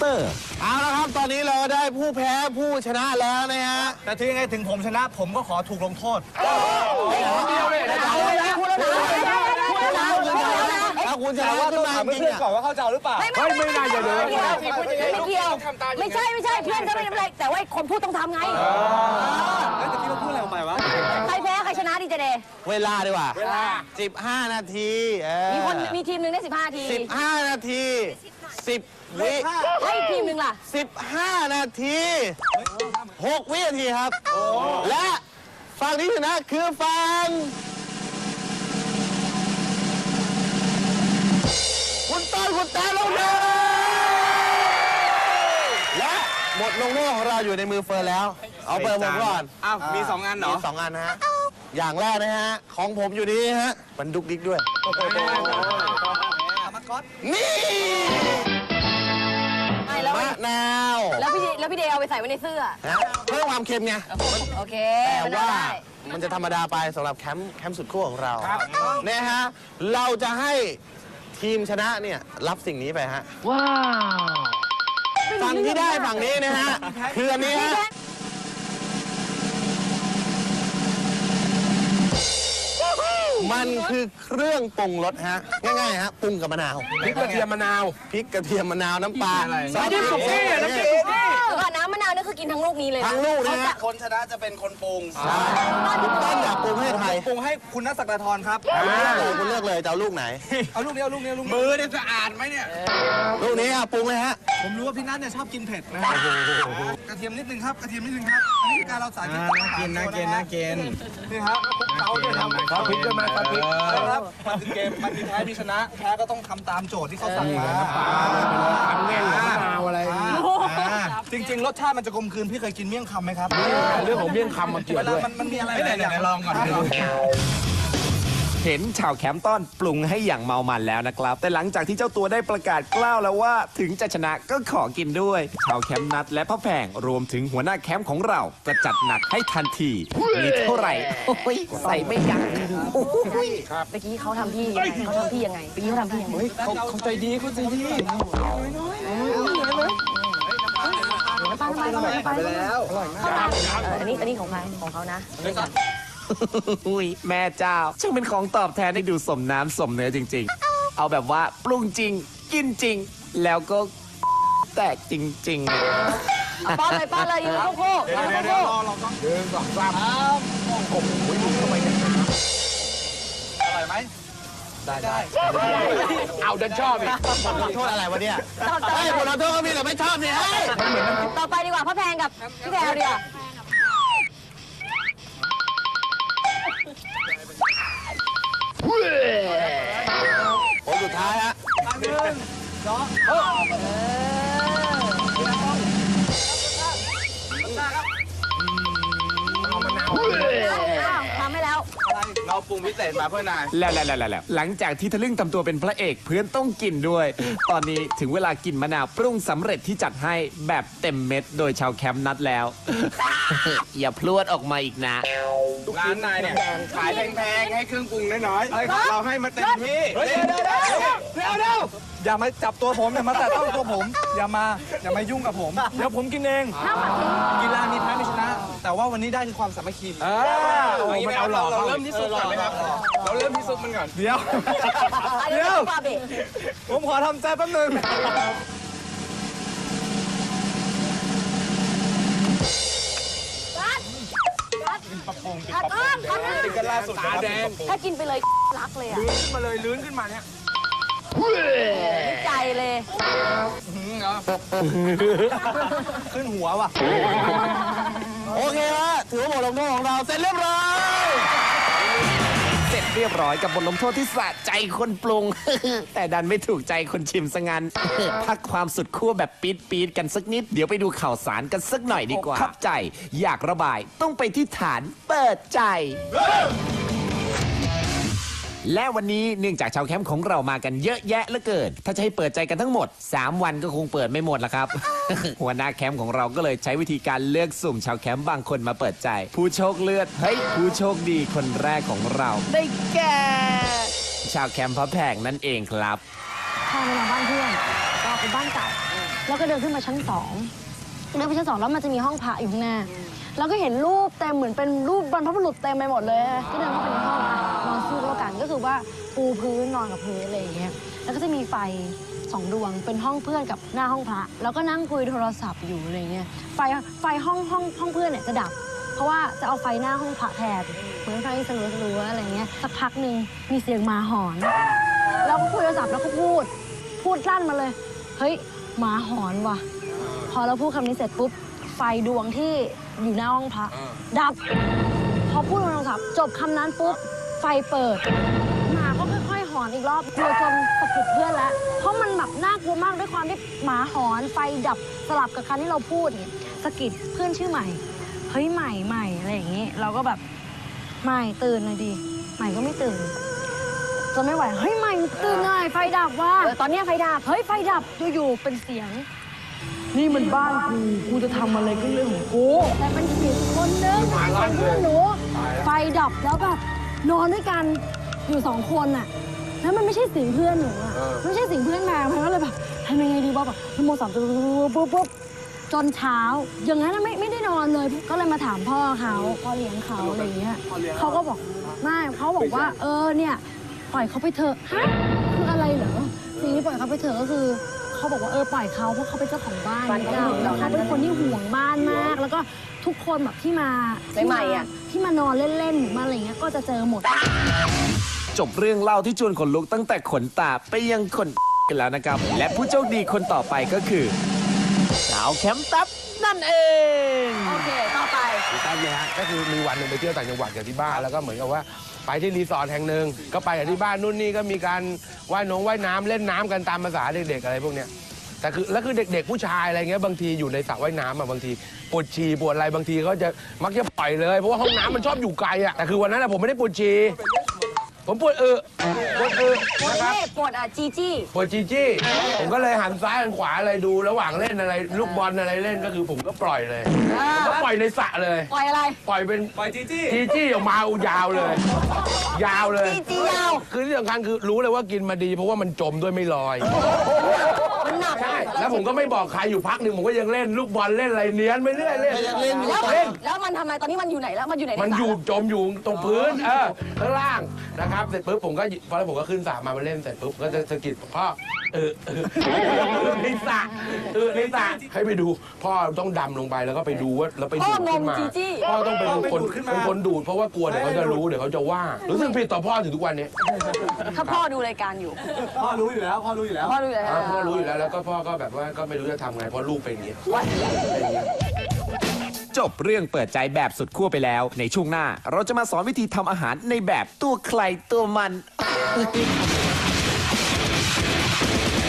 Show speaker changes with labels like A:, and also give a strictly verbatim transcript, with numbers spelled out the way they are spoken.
A: เอาละครับตอนนี้เราได้ผู้แพ้ผู้ชนะแล้วนะฮะ
B: แต่ถึงยังไงถึงผมชนะผมก็ขอถูกลงโทษ
A: ถ้าคุณชนะขึ้นมาจริงๆก่อนว่าเขาจะหรือเปล่า
C: ไม่ไม่ไม่เกี่ยวไม่เกี่ยวไม่ใช่ไม่ใช่เพื่อนก็ไม่เป็นไรแต่ว่าคนพูดต้องทำไง
B: แล้วตะกี้เราพูดอะไรออกไปวะ
C: ใครแพ้ใครชนะดีเจเดย์
A: เวลาดีกว่าเวลาสิบห้านาที
C: มีคนมีทีมหนึ่งได้สิบห้านาที
A: สิบห้านาทีสิบวิ
C: ให้ทีมหนึ่งล่ะ
A: สิบห้านาทีหกวินาทีครับและฝั่งที่ชนะคือฝั่งคุณต้นคุณแต้ลงเลยและหมดลงโทษของเราอยู่ในมือเฟิร์นแล้วเอาเปิดผมก่อน
B: อ้าวมีสองอันเหรอ
A: มีสองอันนะฮะอย่างแรกนะฮะของผมอยู่นี่ฮะมันดุกดิกด้วยนี่มะนาว
C: แล้วพี่แล้วพี่เดย์เอาไปใส่ไว้ในเสื้อ
A: เพื่อความเค็มไง
C: โอเค
A: แต่ว่ามันจะธรรมดาไปสำหรับแคมป์แคมป์สุดขั้วของเราเนี่ยฮะเราจะให้ทีมชนะเนี่ยรับสิ่งนี้ไปฮะว้าวฝั่งที่ได้ฝั่งนี้นะฮะคืออันนี้ฮะมันคือเครื่องปรุงรสฮะง่ายๆฮะปรุงกับมะนาว
D: พริกกระเทียมมะนาว
A: พริกกระเทียมมะนาวน้ำปลา
D: น้ำจิ้มสุกี้น้ำจิ้มสุกี้
C: ก่อนน้ำมะนาวนี่คือกินทั้งลูกนี้เลย
A: ทั้งลูกนะฮะ
B: คนชนะจะเป็นคนปรุง
A: ต้นอยากปรุงให้ใคร
B: ปรุงให้คุณนักศักดาธรครับ
A: คุณเลือกเลยจะเอาลูกไหน
B: เอาลูกนี้เอาลูกนี้ลูกมือเนี่ยจะอ่านไหมเนี่ย
A: ลูกนี้อ่ะปรุงเลยฮะ
B: ผมรู้ว่าพี่นัทเนี่ยชอบกินเผ็ดนะกระเทียมนิดนึงครับกระเทียมนิดนึงครับอันนี้คือการเราสาธิตน่ากินน่ากินน่ากินนี่ครับคุกเขาเนี่ยทำ
D: ซอสพริกด้วยไหมซอสพริก
B: ครับมันเป็นเกมมันมีแพ้มีชนะแพ้ก็ต้องทำตามโจทย์ที่เขาสั่งมา
D: ทำแง่งมะนาวอะไร
B: จริงๆรสชาติมันจะกลมกลืนพี่เคยกินเมี่ยงคำไหมครับ
D: เรื่องของเมี่ยงคำมาเกี่ยวด้วย
B: มันมีอะไรไหนๆลองก่อน
E: เห็นชาวแคมป์ต้อนปรุงให้อย่างเมามันแล้วนะครับแต่หลังจากที่เจ้าตัวได้ประกาศกล้าวแล้วว่าถึงจะชนะก็ขอกินด้วยชาวแคมป์นัดและพ่อแพงรวมถึงหัวหน้าแคมป์ของเราก็จัดหนักให้ทันทีมีเท่าไหร่โอ้ยใส่ไม่ยั้ง
C: โอ้ยเมื่อกี้เขาทำพี่ยังไงเขาทำพี่ยังไงเมื่อกี้เขาทำพี่ยังไง
D: เขาเขาใจดีเขาใจดี
C: ไปแล้วอันนี้อันนี้ของใครของเขานะ
E: อุ้ยแม่เจ้าช่างเป็นของตอบแทนให้ดูสมน้ำสมเนื้อจริงๆเอาแบบว่าปรุงจริงกินจริงแล้วก็แตกจริง
C: ๆป้อนเลยป้อนเลยยืนโค้งๆยืนโค้ง
D: ๆยืนสองสามโอ้โหดูเข้าไปในน้ำ
B: อร่อยไหมได้ได้
D: เอาดันชอบอีก
A: โทษอะไรวะเนี่ยไอ้คนเราโทษก็มีแต่ไม่ชอบเนี่ย
C: ต่อไปดีกว่าพ่อแพงกับพี่แพรดีกว่า
A: โอ้สุดท้ายฮะ
B: หนึ่งสอง
C: ทำให้แล้ว
B: เราปรุงพิเศษมาเพื่อนาย
E: แล้วแล้วแล้วแล้วหลังจากที่ทะลึ่งทำตัวเป็นพระเอกเพื่อนต้องกินด้วยตอนนี้ถึงเวลากินมะนาวปรุงสำเร็จที่จัดให้แบบเต็มเม็ดโดยชาวแคมป์นัดแล้ว อย่าพลวดออกมาอีกนะ
B: ร้านนายเนี่ยขายแพงๆให้เครื่องปรุงน้อยๆเราให้มาเต็มที่เดี๋ยวเดี๋ยวเดี๋ยวเดี๋ยวเดี๋ยวอย่ามาจับตัวผมอย่ามาแตะต้องตัวผมอย่ามาอย่ามายุ่งกับผมเดี๋ยวผมกินเองกีฬามีแพ้มีชนะ แต่ว่าวันนี้ได้คือความสามัคคี
D: มันเอาหลอก
B: เราเริ่มที่สุดก่อนไหมครับเราเริ่มที่สุดมันก่อนเดี๋ยว
C: เดี๋ยว
B: ผมขอทำใจแป๊บนึงปะปงติดปะปงติดกันล่าสุดตาแดง
C: ถ้ากินไปเลยรักเลยอ่ะ
B: ลื้นขึ้นมาเลยลื้นขึ้นมาเนี่ย
C: ใจเลย
B: ขึ้นหัวว่ะ
A: โอเคฮะถือว่าบทลงโทษของเราเสร็จเรียบร้อย
E: เสร็จเรียบร้อยกับบทลงโทษที่สะใจคนปรุง แต่ดันไม่ถูกใจคนชิมซะงั้น พักความสุดขั้วแบบปี๊ดปี๊ดกันสักนิดเดี๋ยวไปดูข่าวสารกันสักหน่อยดีกว่าขับใจอยากระบายต้องไปที่ฐานเปิดใจและวันนี้เนื่องจากชาวแคมป์ของเรามากันเยอะแยะเหลือเกินถ้าจะให้เปิดใจกันทั้งหมดสามวันก็คงเปิดไม่หมดละครับ หัวหน้าแคมป์ของเราก็เลยใช้วิธีการเลือกสุ่มชาวแคมป์บางคนมาเปิดใจผู้โชคเลือดเฮ้ยผู้โชคดีคนแรกของเราได้แก่ชาวแคมป์พระแพงนั่นเองครับ
C: พาไปนอนบ้านเพื่อนก็เป็นบ้านเก่า
F: แล้วก็เดินขึ้นมาชั้นสองเดินไปชั้นสองแล้วมันจะมีห้องพระอยู่ข้างหน้าแล้วก็เห็นรูปเต็มเหมือนเป็นรูปบรรพบุรุษเต็มไปหมดเลยก็เดินเข้าไปในห้องนอนสู้แล้วกันก็คือว่าปูพื้นนอนกับพื้นอะไรอย่างเงี้ยแล้วก็จะมีไฟสองดวงเป็นห้องเพื่อนกับหน้าห้องพระแล้วก็นั่งคุยโทรศัพท์อยู่อะไรเงี้ยไฟไฟห้องห้องห้องเพื่อนเนี่ยจะดับเพราะว่าจะเอาไฟหน้าห้องพระแทนเหมือนไฟสลัวสลัวอะไรเงี้ยสักพักหนึ่งมีเสียงหมาหอนแล้วก็คุยโทรศัพท์แล้วก็พูดพูดลั่นมาเลยเฮ้ยหมาหอนว่ะพอเราพูดคำนี้เสร็จปุ๊บไฟดวงที่อยู่หน้าห้องพระดับพอพูดโทรศัพท์จบคำนั้นปุ๊บไฟเปิดหมาก็ค่อยๆหอนอีกรอบกลัวจนสะกิดเพื่อนแล้วเพราะมันแบบน่ากลัวมากด้วยความที่หมาหอนไฟดับสลับกับคำที่เราพูดเนี่ยสะกิดเพื่อนชื่อใหม่เฮ้ยใหม่ใหม่อะไรอย่างงี้เราก็แบบใหม่ตื่นหน่อยดิใหม่ก็ไม่ตื่นจนไม่ไหวเฮ้ยใหม่ตื่นหน่อยไฟดับว่ะ
C: เออตอนเนี้ยไฟดับ
F: เฮ้ยไฟดับอยู่ๆเป็นเสียงนี่มันบ้านกูกูจะทำอะไรก็เรื่องของกูแต่เป็นเสียงคนนึงเป็นเพื่อนหนูไฟดับแล้วแบบนอนด้วยกันอยู่สองคนอะแล้วมันไม่ใช่เสียงเพื่อนหนูอะไม่ใช่เสียงเพื่อนมามันก็เลยแบบทำยังไงดีวะแบบนโมสามปุ๊บปุ๊บปุ๊บจนเช้าอย่างนั้นไม่ไม่ได้นอนเลยก็เลยมาถามพ่อเขาพ่อเลี้ยงเขาอะไรอย่างเงี้ยเขาก็บอกไม่เขาบอกว่าเออเนี่ยปล่อยเขาไปเถอะฮะคืออะไรเหรอสิ่งที่ปล่อยเขาไปเถอะก็คือเขาบอกว่าเออปล่อยเขาเพราะเขาเป็นเจ้าของบ้านแล้วเขาเป็นคนที่ห่วงบ้านมาก แล้วก็ทุกคนแบบที่มาที่
C: ใหม่ๆอะ
F: ที่มานอนเล่นๆหรือมาอะไรเงี้ยก็จะเจอหมด
E: จบเรื่องเล่าที่ชวนขนลุกตั้งแต่ขนตาไปยังขนกันแล้วนะครับ และผู้โชคดีคนต่อไปก็คือสาวแคมป์ตับนั่นเอง
C: โอเค ต่อไป
D: พี่ตั้มเนี่ยฮะก็คือมีวันหนึ่งไปเที่ยวต่างจังหวัดกับที่บ้านแล้วก็เหมือนกับว่าไปที่รีสอร์ทแห่งหนึ่งก็ไปกับที่บ้านนู่นนี่ก็มีการว่ายน้องว่ายน้ำเล่นน้ำกันตามภาษาเด็กๆอะไรพวกเนี้ยแต่คือแล้วคือเด็กๆผู้ชายอะไรเงี้ยบางทีอยู่ในสระว่ายน้ำอ่ะบางทีปวดฉี่ปวดอะไรบางทีเขาจะมักจะปล่อยเลยเพราะว่าห้องน้ำมันชอบอยู่ไกลอ่ะแต่คือวันนั้นอะผมไม่ได้ปวดฉี่ผมปวดเออปวดเออ
C: ปวด
D: นะครับ
C: เล่ปวดอ่ะจีจี้
D: ปวดจีจี้ผมก็เลยหันซ้ายหันขวาอะไรดูระหว่างเล่นอะไรลูกบอลอะไรเล่นก็คือผมก็ปล่อยเลยผมก็ปล่อยในสระเลย
C: ปล่อยอะไร
D: ปล่อยเป็น
B: ปล่อยจีจี้
D: จีจี้ออกมายาวเลย ยาวเลย
C: จีจี้ยาว
D: คือที่สำคัญคือรู้เลยว่ากินมาดีเพราะว่ามันจมด้วยไม่ลอย
C: มันหนัก
D: ใช่แล้วผมก็ไม่บอกใครอยู่พักหนึ่งผมก็ยังเล่นลูกบอลเล่นอะไรเนี้ยนไปเรื่อยเล่น
A: ยังเล่นอยู่
C: แล้ว
D: เล่น
C: แล้วมันทำไมตอนนี้มันอยู่ไหนแล้ว มันอยู่ไหนใ
D: มันอยู่
C: สระ
D: จมอยู่ตรงพื้นเออข้างล่างนะครับเสร็จปุ๊บผมก็พอแล้วผมก็ขึ้นสระมามาเล่นเสร็จปุ๊บก็จะสะกิดพ่อเออเออในสระเออในสระให้ไปดูพ่อต้องดำลงไปแล้วก็ไปดูว่าแล้วไปดูดขึ้นมาพ่อต้องเป็นคนเป็นคนดูดเพราะว่ากลัวเดี๋ยวเขาจะรู้เดี๋ยวเขาจะว่ารู้สึกผิดต่อพ่อถึงทุกวันนี้
C: ถ้าพ่อดูรายการอยู่
B: พ่อรู้อยู่แล้วพ่อรู้อยู่แล้ว
C: พ่อดูอยู่แล้ว
D: อ่าพ่อรู้อยู่แล้วแล้วก็พ่อก็แบบว่าก็ไม่รู้จะทำไงเพราะลูกเป็นอย่างนี้เป็นอย่างนี้
E: จบเรื่องเปิดใจแบบสุดขั้วไปแล้ว ในช่วงหน้าเราจะมาสอนวิธีทำอาหารในแบบตัวใครตัวมัน